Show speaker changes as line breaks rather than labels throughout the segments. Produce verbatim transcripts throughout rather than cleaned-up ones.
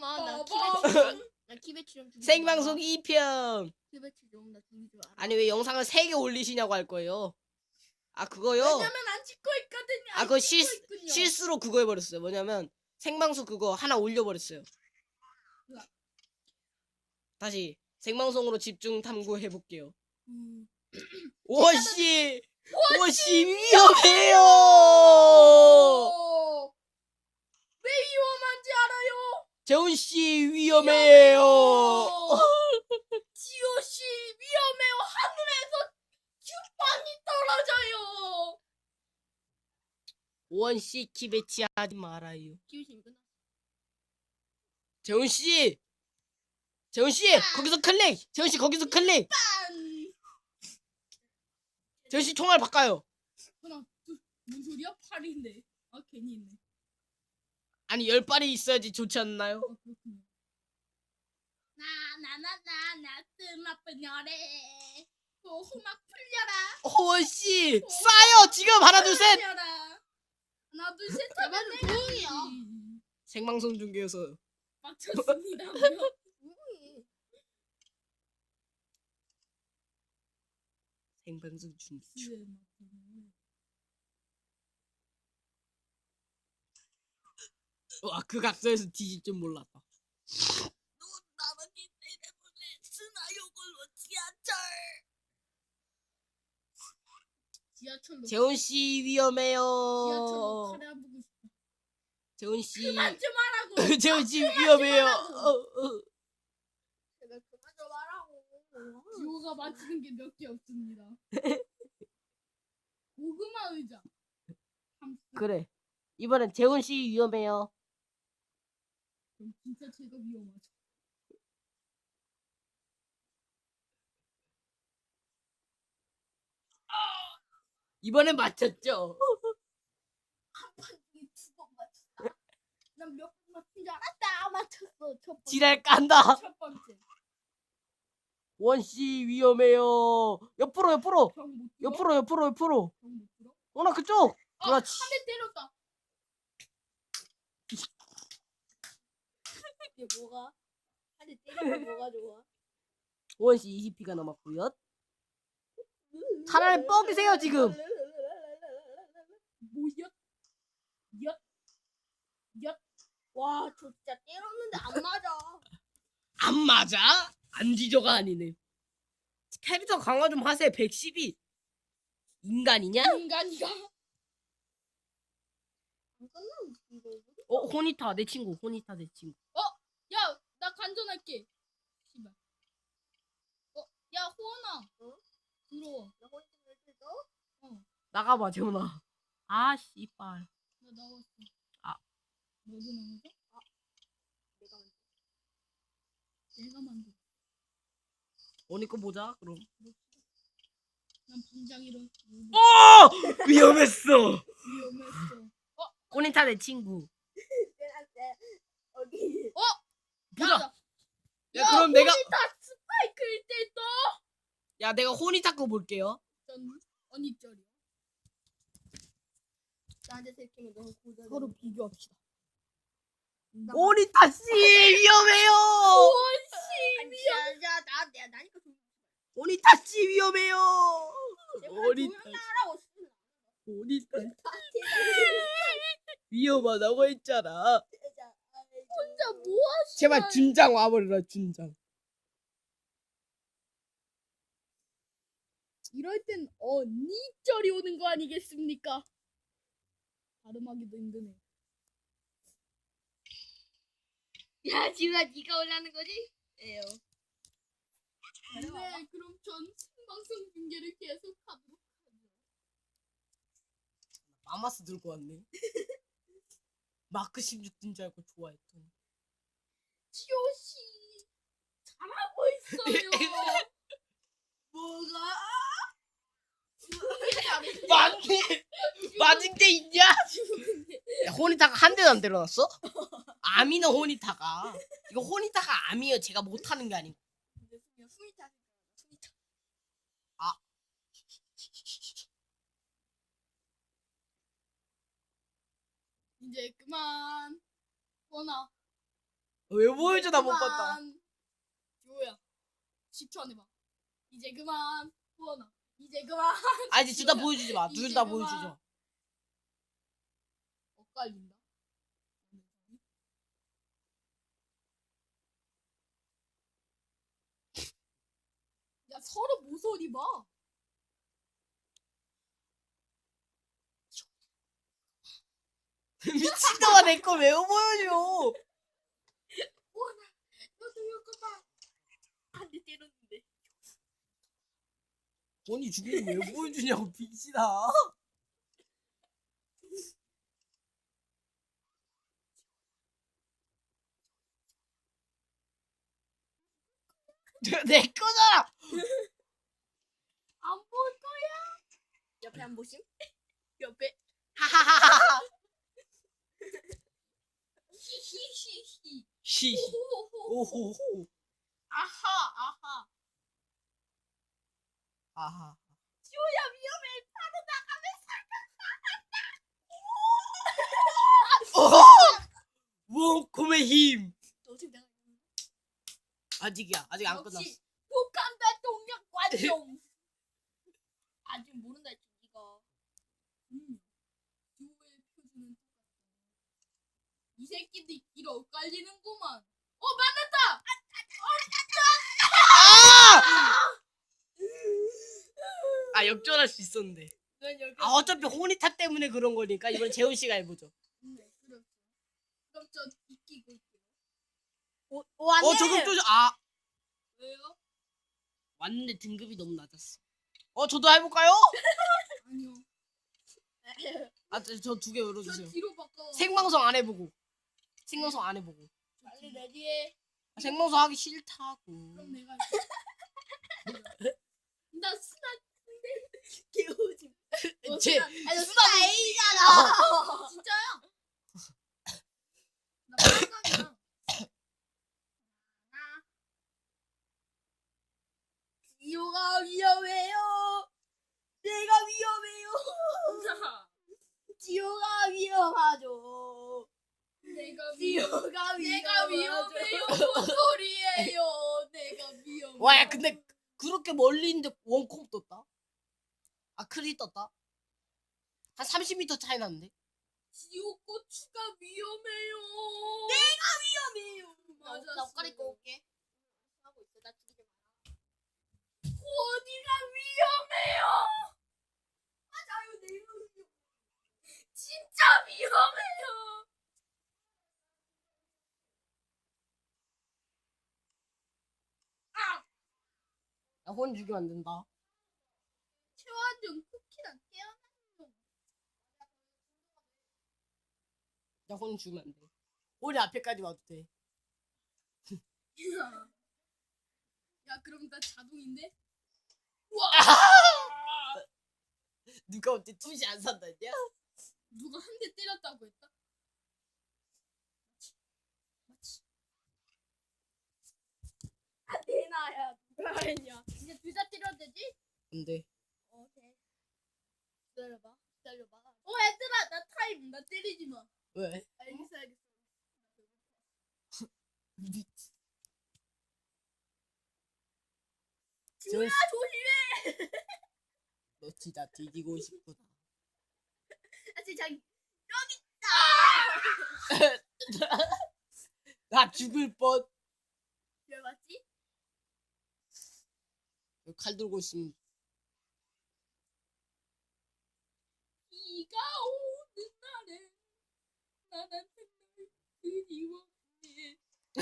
잠깐만 나
빠밤.
키배치 좀 나 키배치 좀 죽이지
생방송
마라.
이 편.
키배치 좀나 죽이지 마라.
아니 왜 영상을 세 개 올리시냐고 할 거예요. 아 그거요.
왜냐면 안 찍고 있거든요.
아 그거
안
실
찍고 있군요.
실수로 그거 해버렸어요. 뭐냐면 생방송 그거 하나 올려버렸어요.
으악.
다시 생방송으로 집중 탐구 해볼게요.
음.
오씨, 오씨 위험해요.
어. 왜 위험한지 알아요?
재훈 씨 위험해요.
지호 씨 위험해요. 하늘에서 큐빵이 떨어져요.
오원 씨 키배치 하지 말아요.
키우신 끝났어.
재훈 씨, 재훈 씨 거기서 클릭. 재훈 씨 거기서 클릭.
딴.
재훈 씨 총알 바꿔요.
하나, 둘, 뭔 소리야? 팔인데. 아 괜히 있네.
아니 열 발이 있어야지 좋지 않나요?
아 그렇군요. 나나나나나 뜸아픈 열애. 또 호막 풀려라.
오원 씨 쏴요 지금 하나 둘 셋.
풀려라. 하나 둘 셋.
제발 좀 조용히요.
생방송 중계에서
맞췄습니다.
조용히.
생방송 중계. 와 그 각도에서 뒤질 줄 몰랐다.
너 나만이 때려보내 스나욕을 지하철. 지하철로.
재훈 씨 위험해요.
지하철로 카레 안 보고 싶어.
재훈 씨.
그만 좀 하라고.
재훈 씨 위험해요.
하라고.
어, 어.
제발 그만 좀 하라고.
지호가 맞히는 게 몇 개 없습니다. 고구마 의자. 함수.
그래. 이번엔 재훈 씨 위험해요.
그럼 진짜 제가 위험하죠.
이번엔 맞췄죠.
한판 중에 두 번 맞췄다. 난 몇 번 맞춘 줄 알았다. 맞췄어. 첫 번째.
지랄 깐다.
첫 번째.
원 씨 위험해요. 옆으로 옆으로
병못 들어?
옆으로 옆으로 옆으로.
병못 들어?
어나 그쪽.
아,
그렇지.
한 대 때렸다.
이게 뭐가? 한대 때리면 뭐가 좋아?
원 씨 이십 피가 남았고요. 차라리 뻑이세요 지금.
뭐야? 엿. 엿.
와, 저 진짜 때렸는데 안 맞아.
안 맞아? 안 지저가 아니네. 캐릭터 강화 좀 하세요. 백십이. 인간이냐?
인간이가.
안 끝나면 이거.
어 호니타 내 친구. 호니타 내 친구.
야, 나 간전할게. 씨발. 어, 야, 호원아.
어?
들어와.
나 혼자 왜 뜯어?
나가봐 재훈아. 아 씨발.
나 나왔어.
아.
너도 나왔어?
내가 먼저.
내가 만들.
호니 거 보자 그럼.
난 방장이로.
어 위험했어.
위험했어.
호니타 내 친구.
어디?
보자.
야,
야 그럼 내가
다 스파이크일 때 또.
야 내가 호니타 거 볼게요.
전 언니 쩔이야.
나한테 들키면 너무 고자.
서로 비교합시다.
호니타 씨 위험해요.
원씨.
야, 나 내가 나니까 좀.
호니타 씨 위험해요.
제발
호니타
조용히 하라고.
호니타 위험하다고 했잖아.
혼자 뭐 하시?
제발 준장 와버려라 준장.
이럴 땐 언니 쩔이 오는 거 아니겠습니까? 발음하기도 힘드네.
야, 지우야, 네가 올라는 거지? 예요.
네, 그럼 전 생방송 중계를 계속 하도록 하죠.
마마스 들고 왔네. 마크 십육 든 줄 알고 좋아했더니.
지호 씨 잘하고 있어요.
뭐가?
맞네. 맞은 게 있냐? 야, 호니타가 한 대도 안 때려놨어? 아미는 호니타가. 이거 호니타가 아미예요. 제가 못하는 게 아니고.
후이타. 후이타.
이제 그만. 원아.
어? 왜 보여줘? 나 못 봤다.
지호야 십 초 안에 봐. 이제 그만. 후원아 이제 그만.
아 이제 둘 다 보여주지 마. 둘 다
이제
보여주지
그만.
마.
엇갈린다. 야 서로 모서리 봐.
미친놈아 내 거 왜 보여줘?
후원아 너도 이거 봐.
한 대 때렸는데.
본이 죽이는 왜 보여주냐고 빅시다. 내 거잖아.
안 볼 거야.
옆에 한 보심? 옆에.
하하하하.
히히히히.
시.
오호호호.
오호호.
아하 아하.
아하.
지호야 위험해. 바로
원콤의 힘.
너 어떻게 나가?
아직이야. 아직 안 끝났어.
역시 북한과 동력 관종. 아직 모른다 했지 이거. 음. 지호의 표준은 똑같다. 이 새끼들 길 엇갈리는구만. 어 만났다.
아 역전할 수 있었는데.
넌 여기.
아 어차피 호니타 때문에 그런 거니까 이번 재훈 씨가 해보죠.
네 그렇죠. 그럼 저 이기고 있게요.
오, 오, 안
어
돼.
저격 또 아.
왜요?
왔는데 등급이 너무 낮았어. 어 저도 해볼까요?
아니요.
아 저 두 개
저
열어주세요.
뒤로 바꿔.
생방송 안 해보고. 생방송 안 해보고.
빨리 레디해.
아, 생방송 하기 싫다고.
그럼 내가 할게. 나 스나
개오지.
어,
제
스나.
아니, 너 수다 A잖아.
진짜야? 나 빨강이야.
지호가 위험해요. 내가 위험해요. 지호가 위험하죠.
내가 위험.
지호가
내가 위험해요. 뭔 소리예요? 내가 위험해.
와야 근데 그렇게 멀리 있는데 원콤 떴다. 아 크리 떴다. 한 삼십 미터 차이 났는데.
지옥 고추가 위험해요.
위험해요.
맞았어.
나 옷갈이 입고 올게. 하고 있어. 나 죽이지 마.
어디가 위험해요?
맞아요. 내 이름이.
진짜 위험해요.
야혼 죽이면 안 된다.
최완준 쿠키랑 깨어나는
야혼 죽이면 안 돼. 혼이 앞에까지 와도 돼.
야. 야 그럼 나 자동인데? 우와.
누가 어때 투시 안 산다냐?
누가 한 대 때렸다고 했다? 맞지?
대나야. 누가 했냐?
이제 둘 다 때려도 되지?
안 돼.
오케이. 기다려봐. 기다려봐. 어 얘들아 나 타임. 나 때리지 마.
왜?
알겠어 알겠어.
미치.
지호야 조심해.
너 진짜 뒤지고 싶구나.
아 진짜 여기
나 죽을 뻔.
왜 맞지?
칼 들고 있으면
비가 오는 날에 나한테 널 그리워해.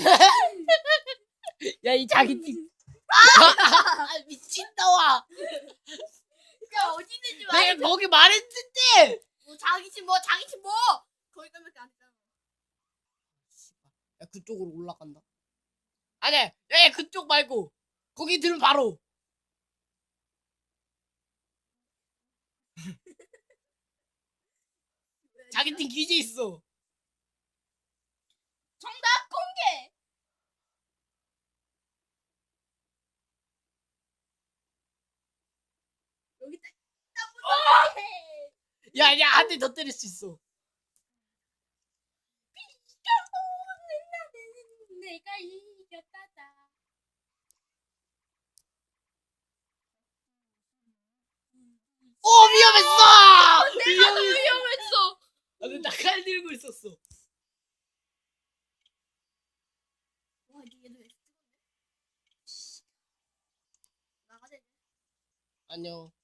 야 이 자기 팀. 아 미친다와.
야 어디 있는지 말.
내가 거기 말했는데.
뭐 자기 집 뭐 자기 집 뭐. 거기까지밖에 안 했잖아.
야 그쪽으로 올라간다. 아니야. 야 그쪽 말고 거기 들면 바로. 자기 팀 기지 있어.
정답 공개.
여기 있다.
야야 한 대 더 때릴 수 있어. 오 위험했어.
내가 더 위험했어.
나는 나칼 들고 있었어.
와 얘도 나가자.
안녕.